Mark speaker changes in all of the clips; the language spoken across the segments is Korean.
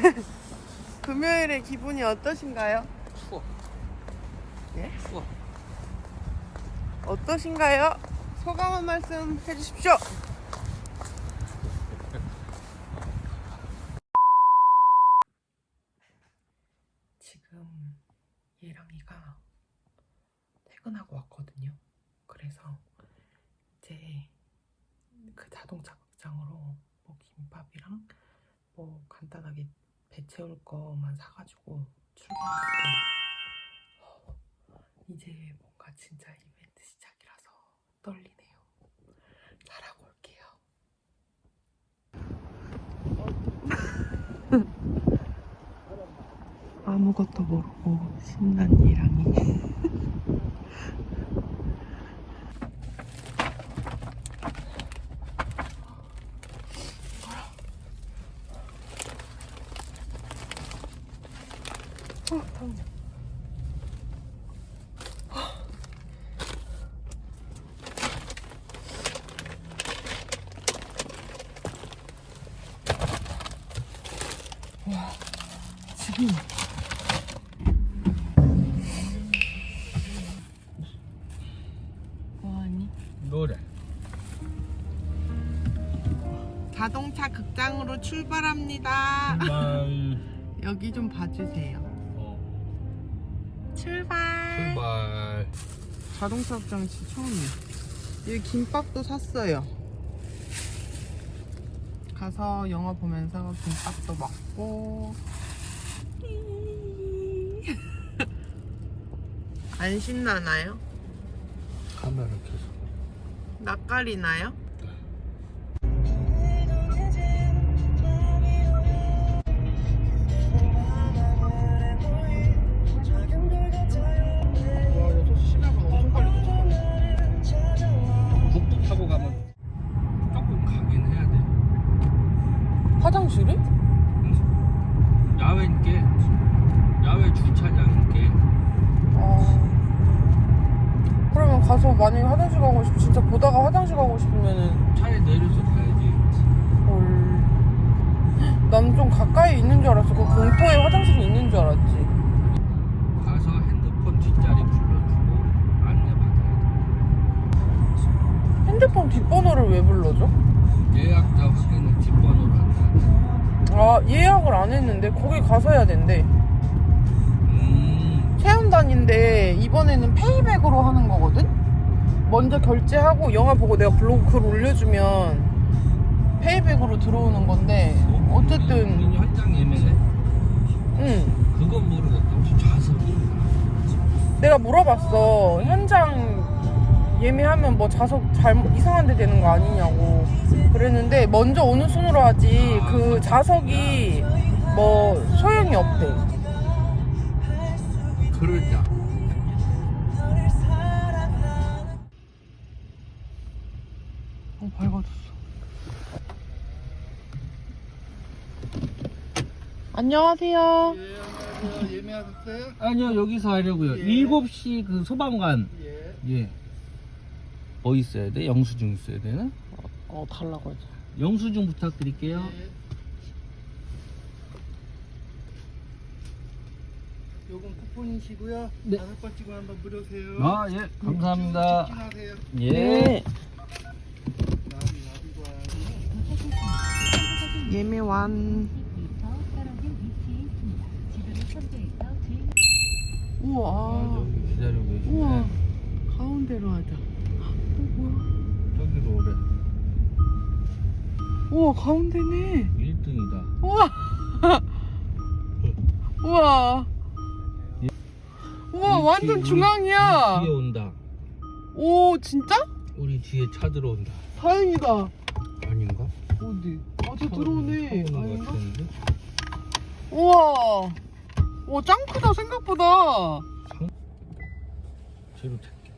Speaker 1: 금요일에 기분이 어떠신가요?
Speaker 2: 추워.
Speaker 1: 예?
Speaker 2: 추워.
Speaker 1: 어떠신가요? 소감 한 말씀 해주십시오. 지금 예랑이가 퇴근하고 왔거든요. 그래서 이제 그 자동차 극장으로 뭐 김밥이랑 뭐 간단하게 배 채울 거만 사가지고 출발할게요. 이제 뭔가 진짜 이벤트 시작이라서 떨리네요. 잘하고 올게요. 아무것도 모르고 신난 예랑이. 다음이야. 와, 지금 뭐하니?
Speaker 2: 노래.
Speaker 1: 자동차 극장으로 출발합니다.
Speaker 2: 출발.
Speaker 1: 여기 좀 봐주세요. 출발.
Speaker 2: 출발.
Speaker 1: 자동차 극장 진짜 처음이에요. 여기 김밥도 샀어요. 가서 영화 보면서 김밥도 먹고. 안 신나나요?
Speaker 2: 카메라 켜서.
Speaker 1: 낯가리나요?
Speaker 2: 북부 타고 가면 조금 가긴 해야 돼.
Speaker 1: 화장실이?
Speaker 2: 야외인게 야외 주차장인게.
Speaker 1: 그러면 가서 만약에 화장실 가고 싶 진짜 보다가 화장실 가고 싶으면은
Speaker 2: 차에 내려서 가야지.
Speaker 1: 헐. 난 좀 가까이 있는 줄 알았어. 그 공터에 화장실이 있는 줄 알았지.
Speaker 2: 가서 핸드폰 뒷자리 불러주고 안내 받아야
Speaker 1: 핸드폰 뒷번호를 왜 불러줘?
Speaker 2: 돼. 예약자 확인은 뒷번호로 한다.
Speaker 1: 아, 예약을 안 했는데 거기 가서 해야 된대. 체험단인데 이번에는 페이백으로 하는 거거든? 먼저 결제하고 영화 보고 내가 블로그 글 올려주면 페이백으로 들어오는 건데 어쨌든
Speaker 2: 우리 현장 예매네.
Speaker 1: 응,
Speaker 2: 그건 모르겠다. 혹시 좌석이?
Speaker 1: 내가 물어봤어. 현장 예매하면 뭐 좌석 잘못 이상한 데 되는 거 아니냐고 그랬는데 먼저 오는 순으로 하지 그 좌석이 뭐 소용이 없대.
Speaker 2: 그러자.
Speaker 1: 밝아졌어. 안녕하세요.
Speaker 3: 예, 안녕하세요. 예매하셨어요?
Speaker 2: 아니요, 여기서 하려고요.
Speaker 3: 예.
Speaker 2: 7시 그 소방관.
Speaker 3: 예.
Speaker 2: 예. 뭐 있어야 돼? 영수증 있어야 되나?
Speaker 1: 달라고 하자.
Speaker 2: 영수증 부탁드릴게요.
Speaker 3: 예. 요건 쿠폰이시고요.
Speaker 2: 네.
Speaker 3: 5번 찍으면 한번 무료세요.
Speaker 2: 아, 예. 감사합니다.
Speaker 3: 직진하세요.
Speaker 2: 예.
Speaker 1: 네.
Speaker 3: 나비고
Speaker 1: 예매 완. 우와.
Speaker 2: 저기 기다리고 계시네.
Speaker 1: 우와. 가운데로 하자. 뭐야?
Speaker 2: 저기로 오래.
Speaker 1: 우와, 가운데네.
Speaker 2: 1등이다.
Speaker 1: 우와. 우와. 우와, 완전 중앙이야.
Speaker 2: 뒤에 온다.
Speaker 1: 오, 진짜?
Speaker 2: 우리 뒤에 차 들어온다.
Speaker 1: 다행이다.
Speaker 2: 아닌가?
Speaker 1: 어디? 아, 저 들어오네.
Speaker 2: 차 오는 것
Speaker 1: 아닌가?
Speaker 2: 같은데?
Speaker 1: 우와. 와, 짱 크다, 생각보다.
Speaker 2: 뒤로 탈게.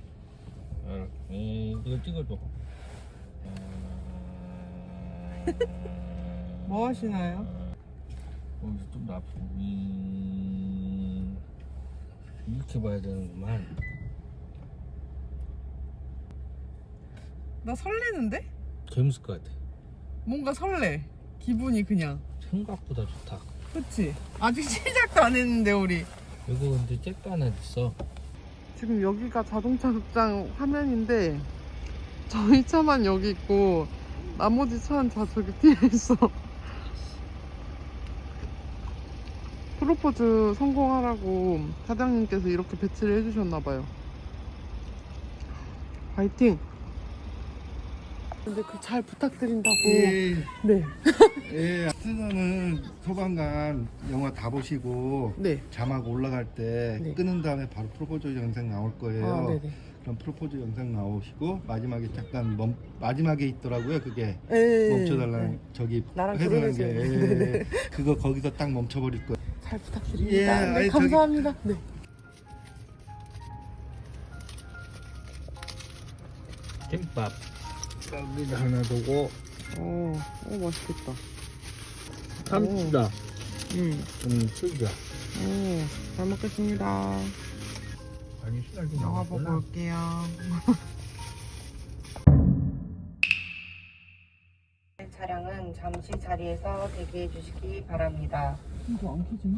Speaker 2: 이거 찍어줘.
Speaker 1: 뭐 하시나요?
Speaker 2: 여기서 좀 더 앞으로. 이렇게 봐야 되는구만.
Speaker 1: 나 설레는데?
Speaker 2: 재밌을 것 같아.
Speaker 1: 뭔가 설레. 기분이 그냥.
Speaker 2: 생각보다 좋다.
Speaker 1: 그치? 아직 시작도 안 했는데 우리.
Speaker 2: 여기 근데 잭도 하나 있어.
Speaker 1: 지금 여기가 자동차 극장 화면인데 저희 차만 여기 있고 나머지 차는 다 저기 뒤에 있어. 프로포즈 성공하라고 사장님께서 이렇게 배치를 해주셨나봐요. 화이팅! 근데 그 잘 부탁드린다고.
Speaker 3: 예.
Speaker 1: 네.
Speaker 3: 예. 스너는 소방관 영화 다 보시고
Speaker 1: 네.
Speaker 3: 자막 올라갈 때
Speaker 1: 네.
Speaker 3: 끄는 다음에 바로 프로포즈 영상 나올 거예요.
Speaker 1: 아, 네네.
Speaker 3: 그럼 프로포즈 영상 나오시고 마지막에 잠깐 마지막에 있더라고요. 그게
Speaker 1: 네.
Speaker 3: 멈춰달라는 저기
Speaker 1: 나랑
Speaker 3: 회전한 게
Speaker 1: 결혼해줘요. 네네.
Speaker 3: 그거 거기서 딱 멈춰버릴 거예요.
Speaker 1: 잘 부탁드립니다.
Speaker 3: 예,
Speaker 1: 네,
Speaker 3: 아니,
Speaker 1: 감사합니다. 네.
Speaker 2: 잼밥. 여기다 하나 두고.
Speaker 1: 맛있겠다.
Speaker 2: 참치다. 튀겨.
Speaker 1: 잘 먹겠습니다.
Speaker 2: 아니, 시간 좀
Speaker 1: 영화 보고
Speaker 2: 남았구나.
Speaker 1: 올게요. 차량은 잠시 자리에서 대기해 주시기 바랍니다. 이거 안 켜지나?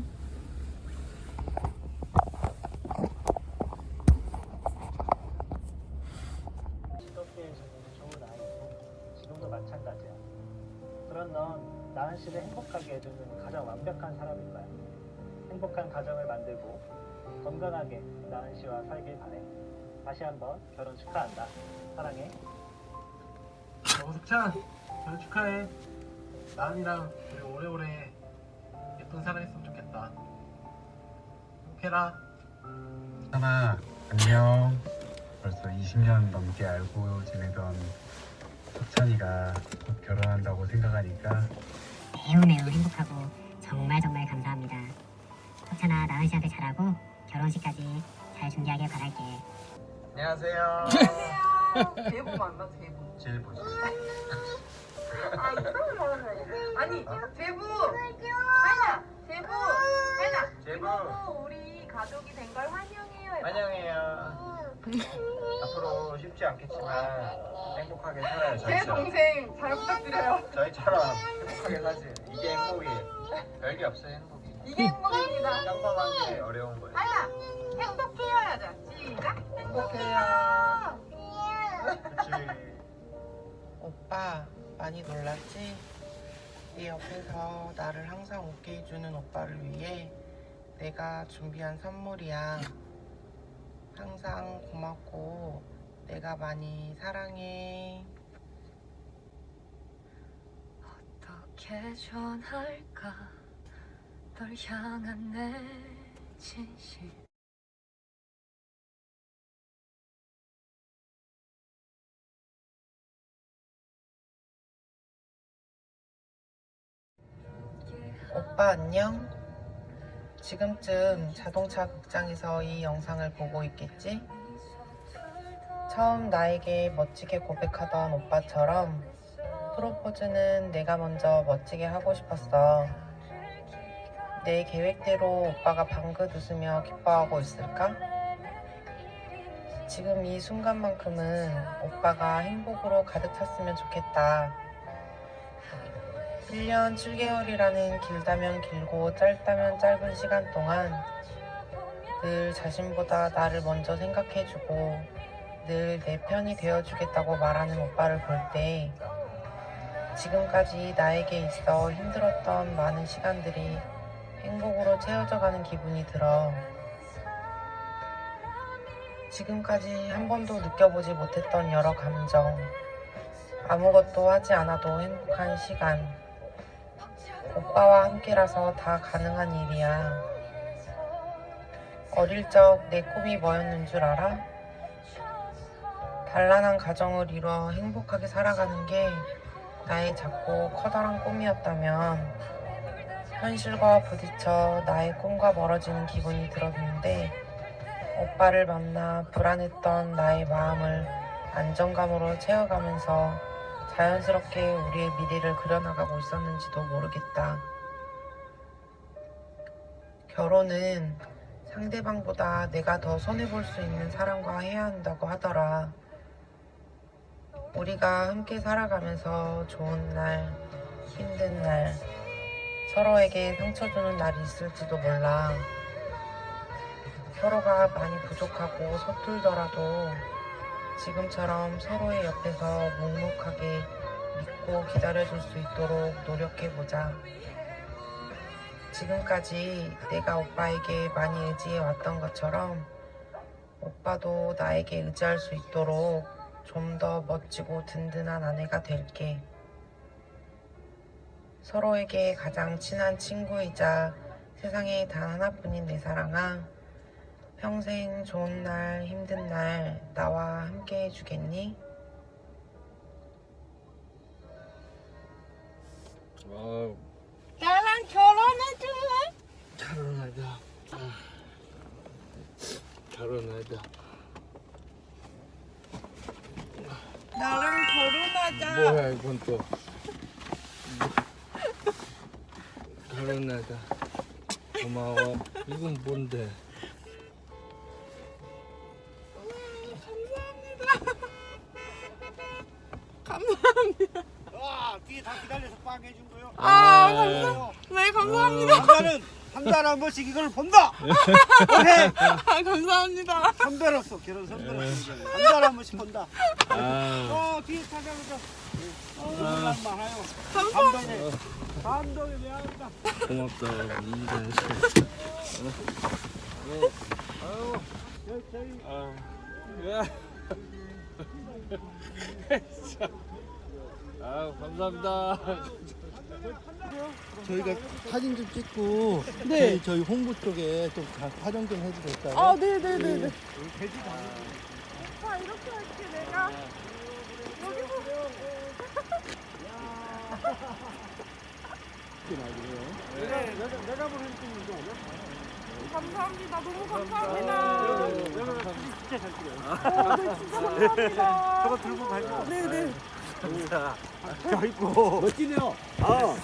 Speaker 4: 시도피에서는 좋은 아이고 지금도 마찬가지야. 그런 넌 나은 씨를 행복하게 해주는 가장 완벽한 사람일 거야. 행복한 가정을 만들고 건강하게 나은 씨와 살길 바래. 다시 한번 결혼 축하한다. 사랑해. 석찬 결혼 축하해. 나은이랑 우리 오래오래 예쁜 사랑했으면 좋겠다. 행복해라.
Speaker 5: 하나 안녕. 벌써 20년 넘게 알고 지내던 석찬이가 곧 결혼한다고 생각하니까
Speaker 6: 매우 행복하고 정말 감사합니다. 석찬아, 나은 씨한테 잘하고 결혼식까지 잘 준비하길 바랄게.
Speaker 5: 안녕하세요.
Speaker 1: 대부 맞나? 대부.
Speaker 5: 제일 보시.
Speaker 1: 아, 이거를 말하는 아니, 제부! 하나! 제부! 하나!
Speaker 5: 제부
Speaker 1: 우리 가족이 된 걸 환영해요.
Speaker 5: 환영해요. 앞으로 쉽지 않겠지만 행복하게 살아요.
Speaker 1: 제
Speaker 5: 저희처럼.
Speaker 1: 동생 잘 부탁드려요.
Speaker 5: 저희처럼 행복하게 사세요. 이게 행복이. 별게 없어요 행복이.
Speaker 1: 이게 행복입니다.
Speaker 5: 평범한 게 어려운 거예요.
Speaker 1: 하나! 행복해요 하자. 시작!
Speaker 5: 행복해요. 그렇지.
Speaker 1: 오빠 많이 놀랐지? 네 옆에서 나를 항상 웃게 해주는 오빠를 위해 내가 준비한 선물이야. 항상 고맙고 내가 많이 사랑해.
Speaker 7: 어떻게 전할까 널 향한 내 진심.
Speaker 1: 오빠 안녕? 지금쯤 자동차 극장에서 이 영상을 보고 있겠지? 처음 나에게 멋지게 고백하던 오빠처럼 프로포즈는 내가 먼저 멋지게 하고 싶었어. 내 계획대로 오빠가 방긋 웃으며 기뻐하고 있을까? 지금 이 순간만큼은 오빠가 행복으로 가득 찼으면 좋겠다. 1년 7개월이라는 길다면 길고 짧다면 짧은 시간 동안 늘 자신보다 나를 먼저 생각해주고 늘 내 편이 되어주겠다고 말하는 오빠를 볼 때 지금까지 나에게 있어 힘들었던 많은 시간들이 행복으로 채워져 가는 기분이 들어. 지금까지 한 번도 느껴보지 못했던 여러 감정, 아무것도 하지 않아도 행복한 시간, 오빠와 함께라서 다 가능한 일이야. 어릴 적 내 꿈이 뭐였는 줄 알아? 단란한 가정을 이루어 행복하게 살아가는 게 나의 작고 커다란 꿈이었다면 현실과 부딪혀 나의 꿈과 멀어지는 기분이 들었는데 오빠를 만나 불안했던 나의 마음을 안정감으로 채워가면서 자연스럽게 우리의 미래를 그려나가고 있었는지도 모르겠다. 결혼은 상대방보다 내가 더 손해볼 수 있는 사람과 해야 한다고 하더라. 우리가 함께 살아가면서 좋은 날, 힘든 날, 서로에게 상처 주는 날이 있을지도 몰라. 서로가 많이 부족하고 서툴더라도 지금처럼 서로의 옆에서 묵묵하게 믿고 기다려줄 수 있도록 노력해보자. 지금까지 내가 오빠에게 많이 의지해 왔던 것처럼 오빠도 나에게 의지할 수 있도록 좀 더 멋지고 든든한 아내가 될게. 서로에게 가장 친한 친구이자 세상에 단 하나뿐인 내 사랑아, 평생 좋은 날 힘든 날 나와 함께 해주겠니? 나랑 결혼해줄래?
Speaker 2: 결혼하자. 결혼하자.
Speaker 1: 나랑 결혼하자.
Speaker 2: 뭐야 이건 또. 결혼하자. 고마워. 이건 뭔데?
Speaker 1: 감사합니다.
Speaker 8: 와, 뒤에 다 기다려서 빵 해준 거요.
Speaker 1: 네, 감사합니다.
Speaker 8: 남자는 한 달에 한 번씩 이걸 본다. 오케이.
Speaker 1: 감사합니다.
Speaker 8: 선배로서 결혼 선배로서 한 달에 한 번씩 본다.
Speaker 2: 아,
Speaker 8: 뒤에 찾아보자. 많아요. 감동해. 감동해 미안합니다.
Speaker 2: 고맙다. 이런
Speaker 8: 저희
Speaker 2: 감사합니다.
Speaker 3: 저희가 사진 좀 찍고
Speaker 1: 네.
Speaker 3: 저희 홍보 쪽에 좀 촬영 좀 해도 될까요?
Speaker 1: 아, 네네네네. 오빠, 이렇게 할게, 내가. 여기서.
Speaker 8: 내가 보는 게 아니야?
Speaker 1: 감사합니다. 너무 감사합니다.
Speaker 8: 내가 진짜 잘 찍어요.
Speaker 1: 네, 진짜 감사합니다.
Speaker 8: 저거 들고 가요.
Speaker 1: 네네.
Speaker 8: 아이고 멋지네요. 아.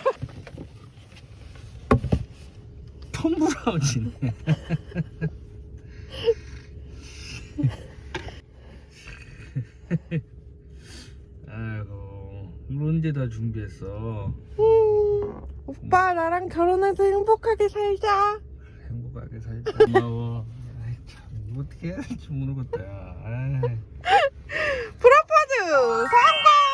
Speaker 2: 톰브라운이네. 아이고, 이걸 언제 다 준비했어?
Speaker 1: 오빠, 나랑 결혼해서 행복하게 살자.
Speaker 2: 행복하게 살자. 고마워. 아이, 참, 어떻게 해야 될지 모르겠다. 야. 아이.
Speaker 1: 프로포즈 성공!